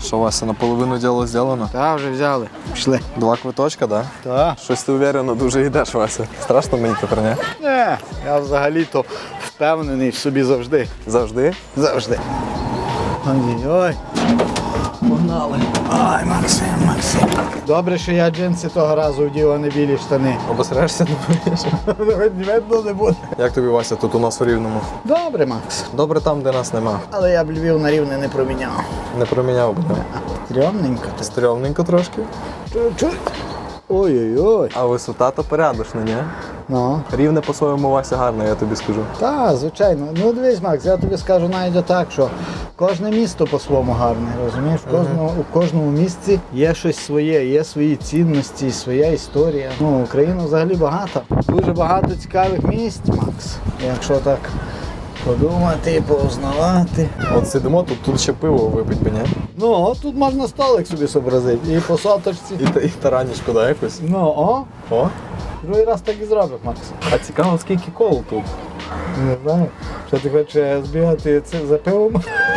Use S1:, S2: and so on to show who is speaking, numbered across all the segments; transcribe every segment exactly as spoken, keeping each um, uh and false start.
S1: Що, Вася, наполовину діло зроблено?
S2: Так, вже взяли. Пішли.
S1: Два квиточка, так? Да?
S2: Так.
S1: Щось ти уверено дуже йдеш, Вася. Страшно мені тепер, ні?
S2: Не, я взагалі-то впевнений в собі завжди.
S1: Завжди?
S2: Завжди. Ой-ой. Погнали. Ай, Максим, Максим. Добре, що я джинси того разу вдів, а не білі штани.
S1: Обосрешся, не боїш?
S2: Видно не буде.
S1: Як тобі, Вася, тут у нас у Рівному?
S2: Добре, Макс.
S1: Добре там, де нас нема.
S2: Але я б Львів на Рівне не проміняв.
S1: Не проміняв би.
S2: Стрьомненько.
S1: Стрьомненько трошки.
S2: Чуть-чуть. Ой-ой-ой.
S1: А висота то порядочна, ні?
S2: Ну.
S1: Рівне по-своєму, Вася, гарно, я тобі скажу.
S2: Так, звичайно. Ну дивись, Макс, я тобі скажу навіть так, що кожне місто по-своєму гарне, розумієш? В кожному, у кожному місці є щось своє, є свої цінності, своя історія. Ну, Україна взагалі багата. Дуже багато цікавих місць, Макс. Якщо так подумати, поузнавати.
S1: От сидимо, тут, тут ще пиво випить би, ні?
S2: Ну, от тут можна столик собі зобразити. І по соточці.
S1: І, та- і таранічку, да, якось?
S2: Ну, о,
S1: О.
S2: другий раз так і зробив, Макс.
S1: А цікаво, скільки кол тут?
S2: Не знаю, що ти хочеш збігати це за пивом?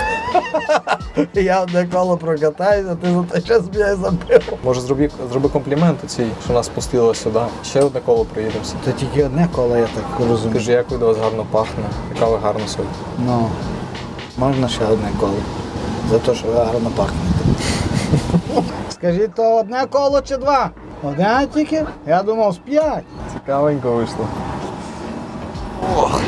S2: Я одне коло прокатаюся, а ти за той час збігай за пивом.
S1: Може, зроби, зроби комплімент цій, що нас пустило сюди. Ще одне коло приїдемося.
S2: То тільки одне коло, я так розумію.
S1: Скажи, як від вас гарно пахне, яка ви гарна сьогодні.
S2: Ну, можна ще одне коло. За те, що ви гарно пахнете. Скажіть, то одне коло чи два? Одне тільки? Я думав, з п'ять.
S1: Цікавенько вийшло. Ох.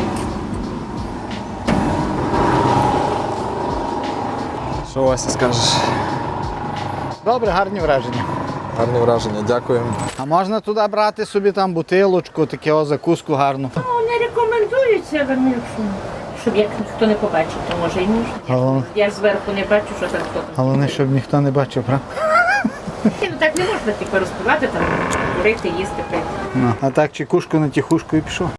S1: Що, Вася, скажеш?
S2: Добре, гарні враження.
S1: Гарні враження, дякуємо.
S2: А можна туди брати собі там бутилочку, таке о, закуску гарну?
S3: Ну, не рекомендується, але ну, якщо, щоб як ніхто не побачив, то може і можна.
S2: Ага.
S3: Я, я зверху не бачу, що там хто там.
S2: Головне, щоб ніхто не бачив, правда?
S3: Ні, ну так не можна типу розпивати, там, курити, їсти, пити.
S2: Ну, а так чекушку на тихушку і пішов.